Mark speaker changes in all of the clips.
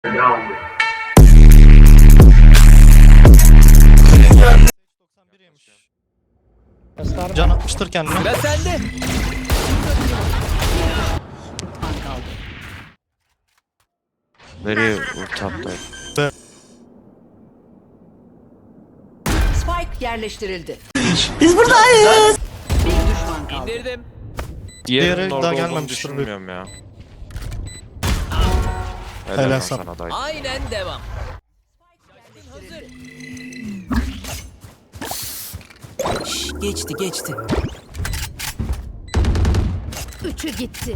Speaker 1: Can atmıştır kendine.
Speaker 2: Sıra sende.
Speaker 3: Nereye ulti attı?
Speaker 4: Spike yerleştirildi. Biz buradayız. Bir düşman kaldı.
Speaker 2: İndirdim.
Speaker 1: Diğeri
Speaker 3: Diğerinin
Speaker 1: daha
Speaker 3: orada olduğunu
Speaker 1: gelmemiştir.
Speaker 3: düşünmüyorum ya.
Speaker 1: Helal
Speaker 3: Helal
Speaker 1: sana.
Speaker 3: sana dayı.
Speaker 2: Aynen devam. Hazır.
Speaker 4: Geçti.
Speaker 5: Üçü gitti.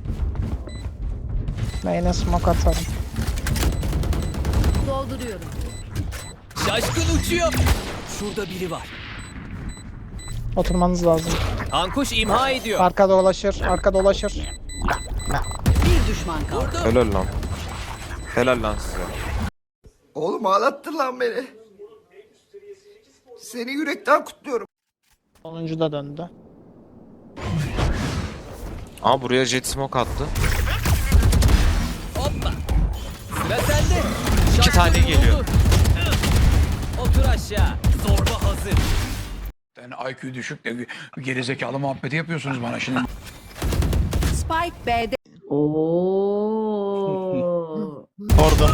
Speaker 6: Main'e smoke atarım.
Speaker 5: Dolduruyorum.
Speaker 2: Şaşkın uçuyor. Şurada biri var.
Speaker 6: Oturmanız lazım.
Speaker 2: Kankuş imha ediyor.
Speaker 6: Arka dolaşır.
Speaker 4: Bir düşman kaldı.
Speaker 2: Vurdum.
Speaker 3: Helal lan. Helal lan size.
Speaker 7: Oğlum ağlattın lan beni. Seni yürekten kutluyorum.
Speaker 6: Sonuncu da döndü.
Speaker 3: Aa buraya jet smoke attı.
Speaker 2: Hoppa. Sıra sende.
Speaker 3: İki tane geliyor.
Speaker 2: vurdu. Otur aşağı. Zorba hazır.
Speaker 8: Yani IQ düşük de gerizekalı muhabbeti yapıyorsunuz bana şimdi.
Speaker 4: Spike B'de.
Speaker 1: Orada.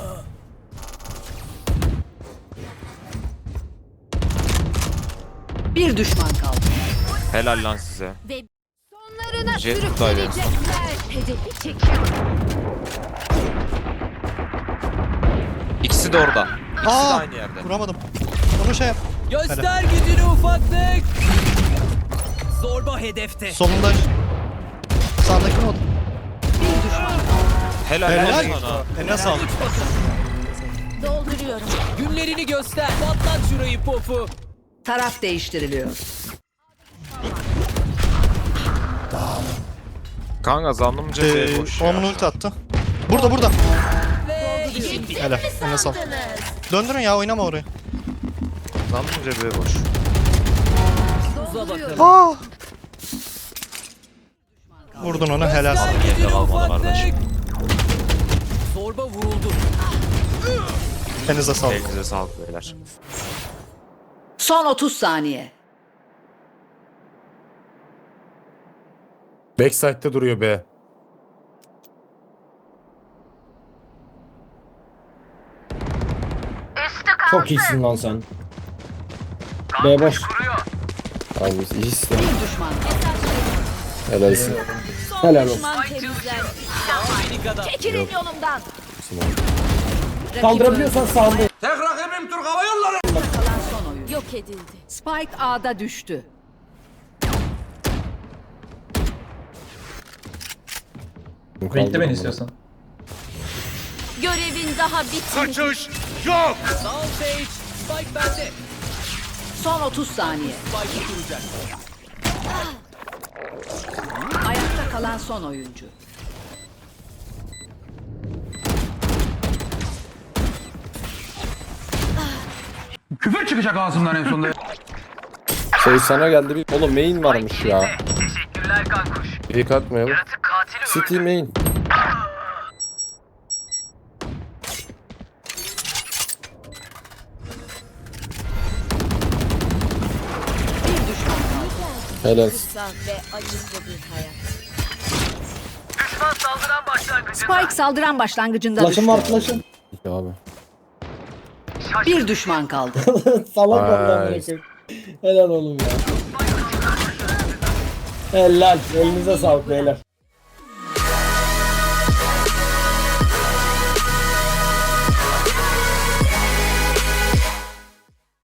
Speaker 4: Bir düşman kaldı.
Speaker 3: Helal lan size.
Speaker 5: Ve sonlarına
Speaker 3: Jet
Speaker 5: sürükleyecekler. Hedefi çekin.
Speaker 3: İkisi de orada. İkisi de
Speaker 1: Aa!
Speaker 3: aynı yerde.
Speaker 1: Vuramadım. Onu şey yap.
Speaker 2: Göster gücünü ufaklık. Zorba hedefte.
Speaker 1: Solunda. Sağdaki mod.
Speaker 4: Bir düşman kaldı.
Speaker 3: Helal,
Speaker 1: Helal.
Speaker 3: lan sana.
Speaker 1: Eline sağlık.
Speaker 5: Dolduruyorum.
Speaker 2: Günlerini göster. Patlat şurayı popu.
Speaker 4: Taraf değiştiriliyor.
Speaker 3: Kanka zannımca B boş ya.
Speaker 1: Omun ulti attı. Burada.
Speaker 2: Ve
Speaker 1: Helal. Eline sağlık. Döndürün ya, oynama orayı.
Speaker 3: Zannımca B boş.
Speaker 2: uza bakalım.
Speaker 1: Aa! Vurdun onu, helal.
Speaker 2: Göster
Speaker 3: Yerinde
Speaker 2: gücünü
Speaker 3: kalmadı
Speaker 2: ufaklık.
Speaker 3: kardeşim.
Speaker 2: Zorba vuruldu.
Speaker 1: Elinize sağlık.
Speaker 3: Elinize sağlık beyler.
Speaker 4: Son 30 saniye.
Speaker 9: Backside'de duruyor be.
Speaker 10: Çok iyisin lan sen. B boş.
Speaker 9: Abi iyisin.
Speaker 4: Bir düşman kaldı.
Speaker 9: Helalsin.
Speaker 10: Helal olsun.
Speaker 5: Düşman temizler.
Speaker 2: Minik adam.
Speaker 5: Çekilin yolumdan.
Speaker 10: Kaldırabiliyorsan sağında.
Speaker 4: Kalan son oyun.
Speaker 5: Yok edildi.
Speaker 4: Spike A'da düştü.
Speaker 9: Bekle beni istiyorsan.
Speaker 5: Görevin daha bitmedi.
Speaker 2: Sağ ol Sage. Spike bende.
Speaker 4: Son 30 saniye.
Speaker 2: Spike'ı kuracak.
Speaker 4: Ayakta kalan son oyuncu.
Speaker 8: Küfür çıkacak ağzımdan en sonunda.
Speaker 9: Şey sana geldi bir... Oğlum main varmış ya. Teşekkürler kankuş. İyi kalkmayalım. City main.
Speaker 4: Bir düşman kaldı.
Speaker 9: Helal.
Speaker 5: Kısa ve acıklı bir hayat.
Speaker 4: Spike saldıran başlangıcında
Speaker 10: Flash'ım
Speaker 4: düştü.
Speaker 10: var flash'ım.
Speaker 9: İyi abi.
Speaker 4: Bir düşman kaldı.
Speaker 10: Salak
Speaker 9: Ay.
Speaker 10: vallahi bırakın. Helal oğlum ya. Helal. Elinize sağlık beyler.